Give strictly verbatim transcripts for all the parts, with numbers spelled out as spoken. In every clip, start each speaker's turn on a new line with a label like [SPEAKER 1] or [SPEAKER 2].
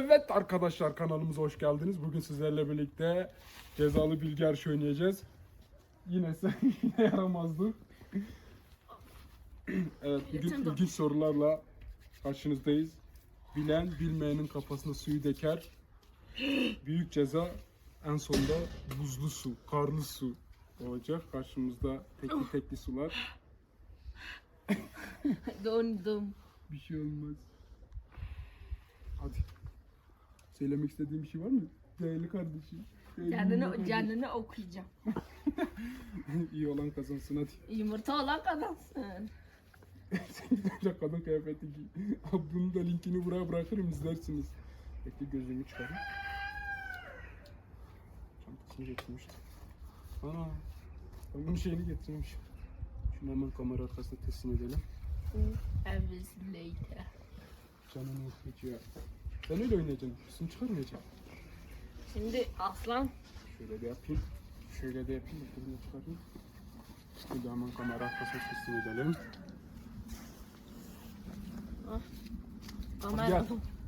[SPEAKER 1] Evet arkadaşlar, kanalımıza hoş geldiniz. Bugün sizlerle birlikte cezalı bilgi yarışı oynayacağız. Yine sen yine yaramazdık. Evet, bugün ilginç sorularla karşınızdayız. Bilen bilmeyenin kafasına suyu döker. Büyük ceza en sonunda buzlu su, karlı su olacak. Karşımızda tekli tekli sular.
[SPEAKER 2] Dondum.
[SPEAKER 1] Bir şey olmaz. Hadi. Söylemek istediğim bir şey var mı? Değerli kardeşim. Değerli
[SPEAKER 2] Canını,
[SPEAKER 1] kardeşim.
[SPEAKER 2] canını okuyacağım.
[SPEAKER 1] İyi olan kazansın hadi.
[SPEAKER 2] Yumurta olan kazansın.
[SPEAKER 1] Sen gidince kadın kıyafeti giy. Abi bunun da linkini buraya bırakırım, izlersiniz. Bekle, gözlüğümü çıkarayım. Çantasını getirmiştim. Ana. Ben bunun şeyini getirmişim. Şunu hemen kamera arkasına teslim edelim.
[SPEAKER 2] Hours later.
[SPEAKER 1] Canını okuyacağım. Sen öyle oynayacaksın. Üstünü çıkarmayacaksın.
[SPEAKER 2] Şimdi aslan.
[SPEAKER 1] Şöyle de yapayım. Şöyle de yapayım. Bunu çıkarayım. Şimdi hemen kamera arkasına teslim edelim.
[SPEAKER 2] Ah.
[SPEAKER 1] Gel.
[SPEAKER 2] Kamera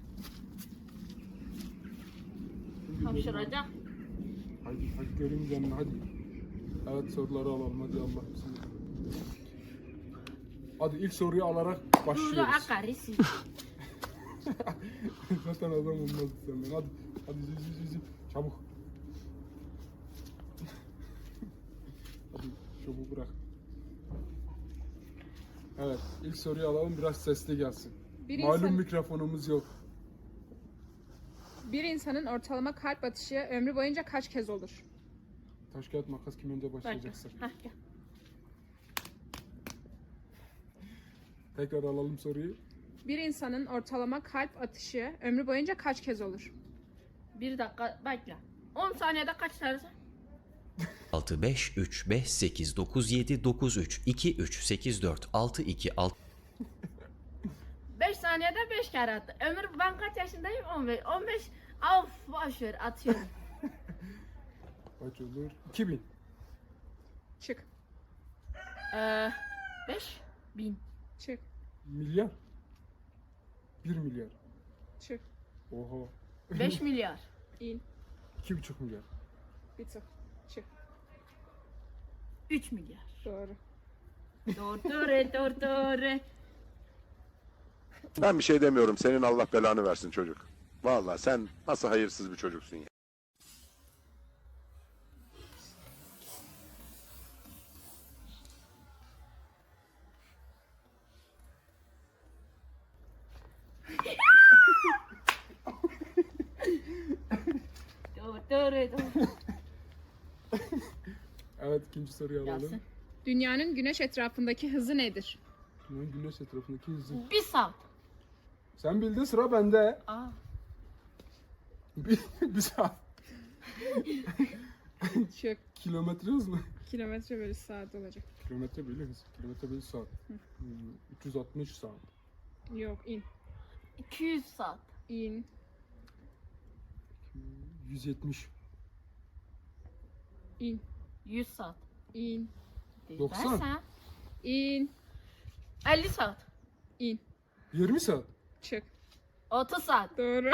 [SPEAKER 2] hapşıracak.
[SPEAKER 1] Hadi hadi göreyim canını hadi. Evet, soruları alalım hadi, Allah bismillah. Hadi ilk soruyu alarak
[SPEAKER 2] Burada
[SPEAKER 1] başlıyoruz.
[SPEAKER 2] akarisi.
[SPEAKER 1] Zaten adam olmaz senden. Hadi hadi ziz ziz ziz. Çabuk. Hadi çabuk bırak. Evet, ilk soruyu alalım, biraz sesli gelsin.
[SPEAKER 3] Bir
[SPEAKER 1] Malum
[SPEAKER 3] insan-
[SPEAKER 1] mikrofonumuz yok.
[SPEAKER 3] Bir insanın ortalama kalp atışı ömrü boyunca kaç kez olur?
[SPEAKER 1] Taş kağıt makas, kim önce başlayacaksa.
[SPEAKER 2] Hah, gel.
[SPEAKER 1] Tekrar alalım soruyu.
[SPEAKER 3] Bir insanın ortalama kalp atışı ömrü boyunca kaç kez olur?
[SPEAKER 2] Bir dakika bekle. on saniyede kaç dersin?
[SPEAKER 4] altı, beş, üç, beş, sekiz, dokuz, yedi, dokuz, üç, iki, üç, sekiz, dört, altı, iki, altı.
[SPEAKER 2] beş saniyede beş kere attı. Ömür, ben kaç yaşındayım? on beş. on beş. Of, boş ver, atıyorum.
[SPEAKER 1] Kaç olur? iki bin.
[SPEAKER 3] Çık.
[SPEAKER 2] Ee, beş bin.
[SPEAKER 3] Çık.
[SPEAKER 1] Milyar. bir milyar.
[SPEAKER 3] Çık.
[SPEAKER 1] Oha.
[SPEAKER 2] beş milyar.
[SPEAKER 3] İn.
[SPEAKER 1] iki buçuk milyar.
[SPEAKER 3] Bir tık. Çık.
[SPEAKER 2] üç milyar.
[SPEAKER 3] Doğru.
[SPEAKER 2] Doğru, doğru, doğru, doğru.
[SPEAKER 5] Ben bir şey demiyorum. Senin Allah belanı versin çocuk. Vallahi sen nasıl hayırsız bir çocuksun ya.
[SPEAKER 2] Doğru, doğru, doğru.
[SPEAKER 1] Evet, ikinci soruyu alalım.
[SPEAKER 2] Gelsin.
[SPEAKER 3] Dünyanın güneş etrafındaki hızı nedir?
[SPEAKER 1] Dünyanın güneş etrafındaki hızı.
[SPEAKER 2] Bir saat.
[SPEAKER 1] Sen bildin, sıra bende.
[SPEAKER 2] Aa.
[SPEAKER 1] Bir, bir saat.
[SPEAKER 3] Çık.
[SPEAKER 1] Kilometre hız mı?
[SPEAKER 3] Kilometre bölü saat olacak.
[SPEAKER 1] Kilometre bölü hız. Kilometre bölü saat. Hmm, üç yüz altmış saat.
[SPEAKER 3] Yok, in.
[SPEAKER 2] iki yüz saat.
[SPEAKER 3] İn.
[SPEAKER 1] yüz yetmiş.
[SPEAKER 3] İn.
[SPEAKER 2] yüz saat.
[SPEAKER 3] İn.
[SPEAKER 1] doksan.
[SPEAKER 2] Ben
[SPEAKER 3] İn.
[SPEAKER 2] elli saat.
[SPEAKER 3] İn.
[SPEAKER 1] yirmi saat.
[SPEAKER 3] Çık.
[SPEAKER 2] otuz saat.
[SPEAKER 3] Doğru.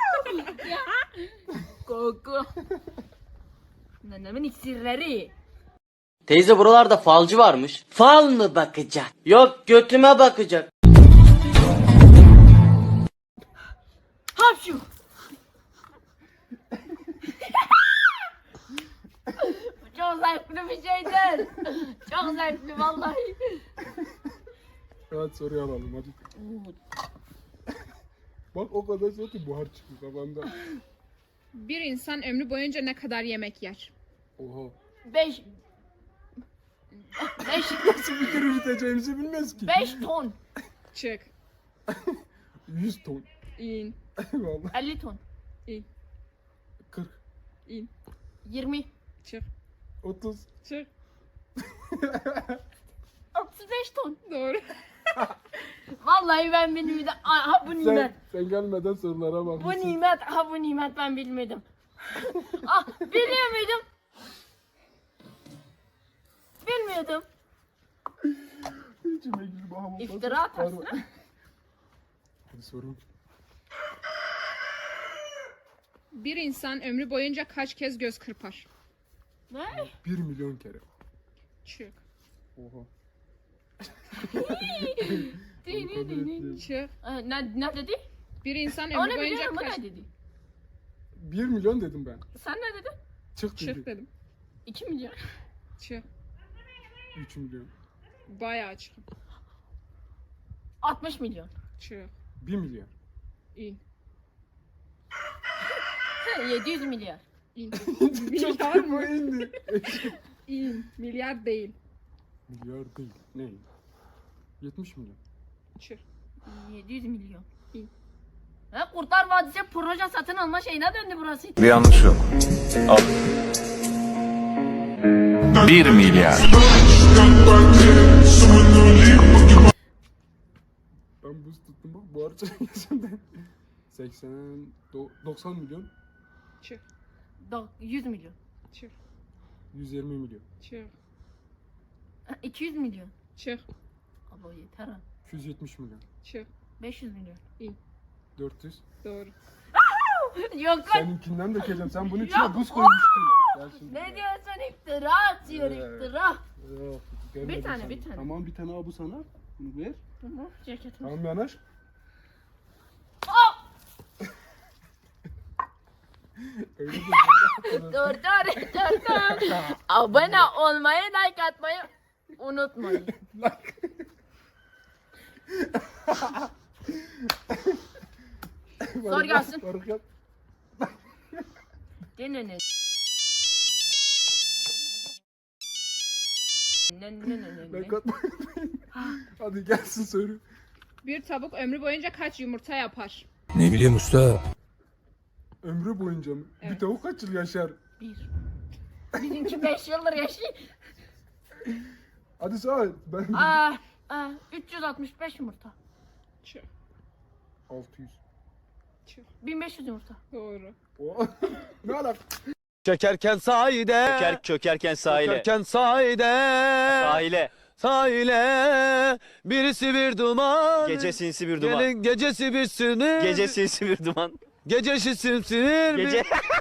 [SPEAKER 2] Koku. Nenemin iksirleri.
[SPEAKER 6] Teyze buralarda falcı varmış. Fal mı bakacak? Yok götüme bakacak.
[SPEAKER 2] Hapşu. Bu çok zevkli bir şeydir. Çok zevkli vallahi.
[SPEAKER 1] Evet, soruyu alalım hadi. Bak, o kadar soğuk ki buhar çıkıyor kafamda.
[SPEAKER 3] Bir insan ömrü boyunca ne kadar yemek yer?
[SPEAKER 1] Oha.
[SPEAKER 2] Beş. Beş.
[SPEAKER 1] Nasıl bir yürüteceğimizi bilmez ki.
[SPEAKER 2] Beş ton.
[SPEAKER 3] Çık.
[SPEAKER 1] yüz ton.
[SPEAKER 3] İn.
[SPEAKER 1] Vallahi.
[SPEAKER 2] elli ton.
[SPEAKER 3] İn.
[SPEAKER 1] kırk.
[SPEAKER 3] İn.
[SPEAKER 2] yirmi.
[SPEAKER 3] Çık.
[SPEAKER 1] otuz.
[SPEAKER 3] Çık.
[SPEAKER 2] otuz beş ton.
[SPEAKER 3] Doğru.
[SPEAKER 2] Vallahi ben bilmiyordum. Ha bu
[SPEAKER 1] Sen,
[SPEAKER 2] nimet.
[SPEAKER 1] sen gelmeden sorulara
[SPEAKER 2] Bu
[SPEAKER 1] bakmışsın.
[SPEAKER 2] nimet. Ha bu nimet ben bilmiyordum. Ah biliyor muydum? Bilmiyordum.
[SPEAKER 1] İçime girdi bu hamam.
[SPEAKER 2] İftira atarsın ha?
[SPEAKER 1] Hadi sorun.
[SPEAKER 3] Bir insan ömrü boyunca kaç kez göz kırpar?
[SPEAKER 2] Ne?
[SPEAKER 1] Bir milyon kere.
[SPEAKER 3] Çık.
[SPEAKER 1] Oha.
[SPEAKER 3] Çık.
[SPEAKER 2] Ee, ne, ne dedi?
[SPEAKER 3] Bir insan
[SPEAKER 2] Onu
[SPEAKER 3] ömrü boyunca
[SPEAKER 2] biliyorum, o
[SPEAKER 3] kaç...
[SPEAKER 2] ne dedi?
[SPEAKER 1] Bir milyon dedim ben.
[SPEAKER 2] Sen ne dedin?
[SPEAKER 1] Çık
[SPEAKER 3] Çık
[SPEAKER 1] dedi.
[SPEAKER 3] dedim.
[SPEAKER 2] iki milyon.
[SPEAKER 3] Çık.
[SPEAKER 1] Üç milyon.
[SPEAKER 3] Bayağı çık.
[SPEAKER 2] altmış milyon.
[SPEAKER 3] Çık.
[SPEAKER 1] Bir milyar.
[SPEAKER 3] İn.
[SPEAKER 2] yedi yüz milyar.
[SPEAKER 3] İn.
[SPEAKER 1] Milyar mı indi?
[SPEAKER 3] İn. Milyar değil.
[SPEAKER 1] Milyar değil. Ne? Yetmiş milyon.
[SPEAKER 3] Çık.
[SPEAKER 2] yedi yüz milyon.
[SPEAKER 3] İn.
[SPEAKER 2] Ha, Kurtlar Vadisi proje satın alma şeyine döndü burası.
[SPEAKER 7] Bir yanlış yok. Al. Bir milyar.
[SPEAKER 1] Ben buz tuttum bak bu harca yüzünden. seksen, do- doksan milyon,
[SPEAKER 3] Çık.
[SPEAKER 2] Do- yüz milyon.
[SPEAKER 3] Çık.
[SPEAKER 1] yüz yirmi milyon,
[SPEAKER 3] Çık.
[SPEAKER 2] Ha, iki yüz milyon.
[SPEAKER 3] Çık.
[SPEAKER 2] Abo yeter ha.
[SPEAKER 1] iki yüz yetmiş milyon,
[SPEAKER 3] Çık.
[SPEAKER 2] beş yüz milyon.
[SPEAKER 1] dört yüz.
[SPEAKER 3] Doğru.
[SPEAKER 2] Yok lan.
[SPEAKER 1] Seninkinden dökeceğim. Sen bunun içine buz koymuştun. Gel şimdi.
[SPEAKER 2] Ne diyorsun, iftira atıyor,
[SPEAKER 1] Ee.
[SPEAKER 2] iftira.
[SPEAKER 1] Yok, gelmedi
[SPEAKER 2] Bir tane,
[SPEAKER 1] sana.
[SPEAKER 2] bir tane.
[SPEAKER 1] Tamam bir tane al bu sana. Bunu ver.
[SPEAKER 2] Hı hı, ceketim.
[SPEAKER 1] Tamam yanaş. Öyle de böyle.
[SPEAKER 2] Dur dur dur dur. Abone olmayı, like atmayı unutmayın. Sor gelsin.
[SPEAKER 1] Barık yap.
[SPEAKER 2] Dinlenin. Ne ne ne ne ne.
[SPEAKER 1] Like atmayı. Hadi gelsin söyle.
[SPEAKER 3] Bir tavuk ömrü boyunca kaç yumurta yapar?
[SPEAKER 7] Ne bileyim usta.
[SPEAKER 1] Ömrü boyunca mı? Bir
[SPEAKER 3] Evet.
[SPEAKER 1] tavuk kaç yıl yaşar?
[SPEAKER 2] Bir. Bizimki beş yıldır yaşıyor.
[SPEAKER 1] Hadi söyle. Ben
[SPEAKER 2] Aa, aa, üç yüz altmış beş yumurta.
[SPEAKER 3] Çık.
[SPEAKER 1] altı yüz.
[SPEAKER 3] Çık.
[SPEAKER 2] bin beş yüz yumurta.
[SPEAKER 3] Doğru.
[SPEAKER 1] Oh. Ne alak?
[SPEAKER 8] Çökerken sahide.
[SPEAKER 9] Çöker, çökerken sahile.
[SPEAKER 8] Çökerken sahide.
[SPEAKER 9] Sahile.
[SPEAKER 8] Sahile. Birisi bir duman.
[SPEAKER 9] Gece sinsi bir duman.
[SPEAKER 8] Gelin gecesi bir sinir.
[SPEAKER 9] Gece sinsi bir duman.
[SPEAKER 8] Gecesi sinir.
[SPEAKER 9] Gece.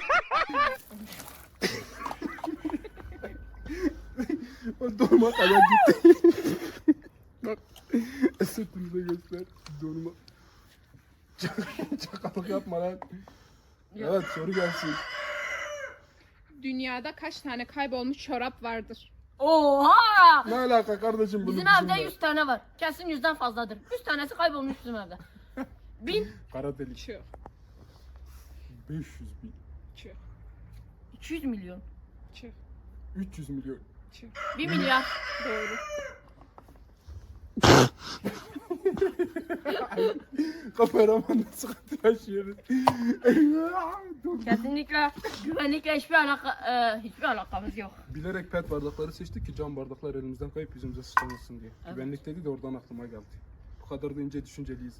[SPEAKER 1] O donuma kadar gitti. Bak. Esatımıza göster. Donuma. Çakalık yapma lan. Evet soru gelsin.
[SPEAKER 3] Dünyada kaç tane kaybolmuş çorap vardır?
[SPEAKER 2] Oha!
[SPEAKER 1] Ne alaka kardeşim bunu
[SPEAKER 2] Bizim evde yüz tane var. Kesin yüzden fazladır. yüz tanesi kaybolmuş bizim evde. bin.
[SPEAKER 1] Kara delik.
[SPEAKER 3] Çık.
[SPEAKER 1] beş yüz bin.
[SPEAKER 3] Çık.
[SPEAKER 2] iki yüz milyon.
[SPEAKER 3] Çık.
[SPEAKER 1] üç yüz milyon.
[SPEAKER 3] Çık.
[SPEAKER 2] bir milyar.
[SPEAKER 3] Doğru.
[SPEAKER 1] Kameraman nasıl katı yaşıyoruz.
[SPEAKER 2] Kesinlikle güvenlikle hiçbir alaka e, hiçbir alakamız yok.
[SPEAKER 1] Bilerek pet bardakları seçtik ki cam bardaklar elimizden kayıp yüzümüze sıçramasın diye.
[SPEAKER 2] Evet.
[SPEAKER 1] Güvenlik dedi de oradan aklıma geldi. Bu kadar da ince düşünceliyiz.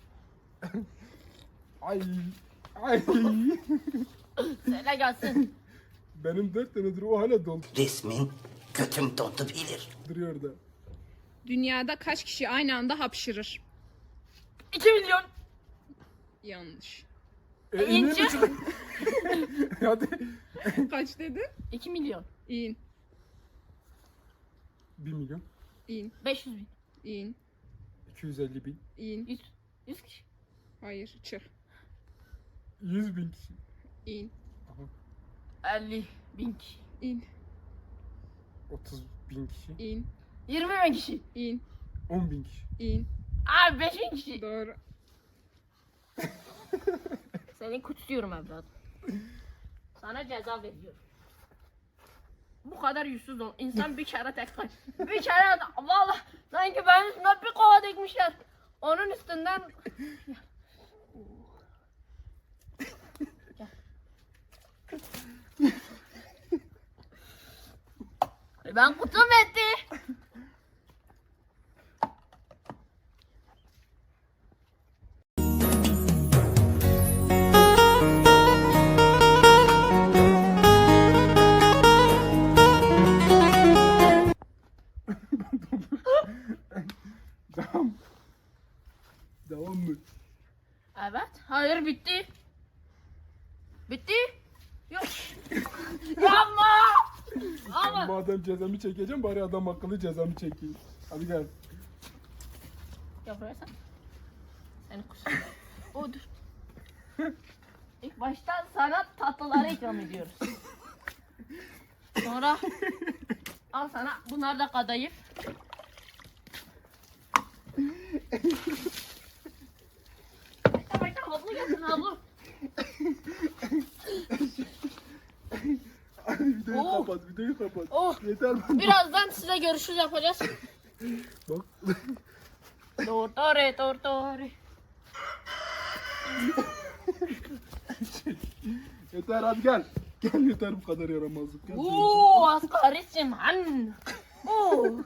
[SPEAKER 1] Ay. Ay.
[SPEAKER 2] Söyle gelsin.
[SPEAKER 1] Benim dört tanedir o hala
[SPEAKER 6] Resmin götüm dondu bilir.
[SPEAKER 1] dolduruyor da.
[SPEAKER 3] Dünyada kaç kişi aynı anda hapşırır?
[SPEAKER 2] iki milyon.
[SPEAKER 3] Yanlış.
[SPEAKER 1] E,
[SPEAKER 2] İnce.
[SPEAKER 1] ineyim mi çıkayım? Hadi.
[SPEAKER 3] Kaç dedin?
[SPEAKER 2] iki milyon.
[SPEAKER 3] İn.
[SPEAKER 1] bir milyon.
[SPEAKER 3] İn.
[SPEAKER 2] beş yüz bin.
[SPEAKER 3] İn.
[SPEAKER 1] iki yüz elli bin.
[SPEAKER 3] İn.
[SPEAKER 2] yüz. yüz kişi.
[SPEAKER 3] Hayır. Çık.
[SPEAKER 1] yüz bin kişi.
[SPEAKER 3] İn.
[SPEAKER 2] elli bin kişi.
[SPEAKER 3] İn.
[SPEAKER 1] otuz bin kişi.
[SPEAKER 3] İn.
[SPEAKER 2] yirmi bin kişi.
[SPEAKER 3] İn.
[SPEAKER 1] on bin kişi.
[SPEAKER 3] İn.
[SPEAKER 2] Abi beş bin kişi.
[SPEAKER 3] Doğru.
[SPEAKER 2] Seni kutluyorum evladım. Sana ceza veriyorum. Bu kadar yüzsüz ol. İnsan bir kere tek kay. Bir kere valla sanki benim üstüme bir kova dikmişler. Onun üstünden Gel. Ben kutum etti.
[SPEAKER 1] Devam. Devam mı?
[SPEAKER 2] Evet. Hayır bitti. Bitti. Yok. Yapma. Ama.
[SPEAKER 1] Madem cezamı çekeceğim bari adam akıllı cezamı çekeyim. Hadi gel.
[SPEAKER 2] Ya buraya sen. Seni kus. O dur. İlk başta sana tatlıları ikram ediyoruz. Sonra al sana bunlar da kadayıf. Bekle bekle havlu gelsin havlu.
[SPEAKER 1] Hadi videoyu
[SPEAKER 2] Oo.
[SPEAKER 1] kapat, videoyu kapat.
[SPEAKER 2] Oh.
[SPEAKER 1] Yeter ben.
[SPEAKER 2] Birazdan size görüşürüz yapacağız.
[SPEAKER 1] Bak.
[SPEAKER 2] Tortore tortore.
[SPEAKER 1] Yeter hadi gel. Gel yeter bu kadar yaramazlık. Gel.
[SPEAKER 2] Uuu asgarisim han. Oo.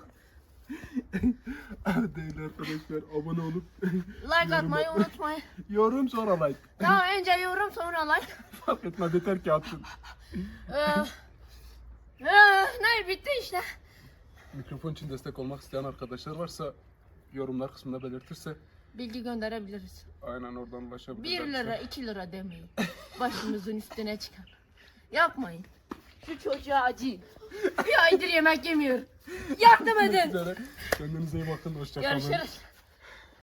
[SPEAKER 1] Değerli arkadaşlar abone olup
[SPEAKER 2] Like atmayı unutmayın.
[SPEAKER 1] yorum sonra like.
[SPEAKER 2] Tamam önce yorum sonra like.
[SPEAKER 1] Fark etmez yeter ki atın.
[SPEAKER 2] Ee, ee, ne bitti işte.
[SPEAKER 1] Mikrofon için destek olmak isteyen arkadaşlar varsa yorumlar kısmında belirtirse
[SPEAKER 2] Bilgi gönderebiliriz.
[SPEAKER 1] aynen oradan ulaşabilirler.
[SPEAKER 2] Bir lira iki lira demeyin. Başımızın üstüne çıkar. Yapmayın. Şu çocuğa acıyın. Bir aydır yemek yemiyor. Yardım edin.
[SPEAKER 1] Kendinize iyi bakın. Hoşça kalın.
[SPEAKER 2] Görüşürüz.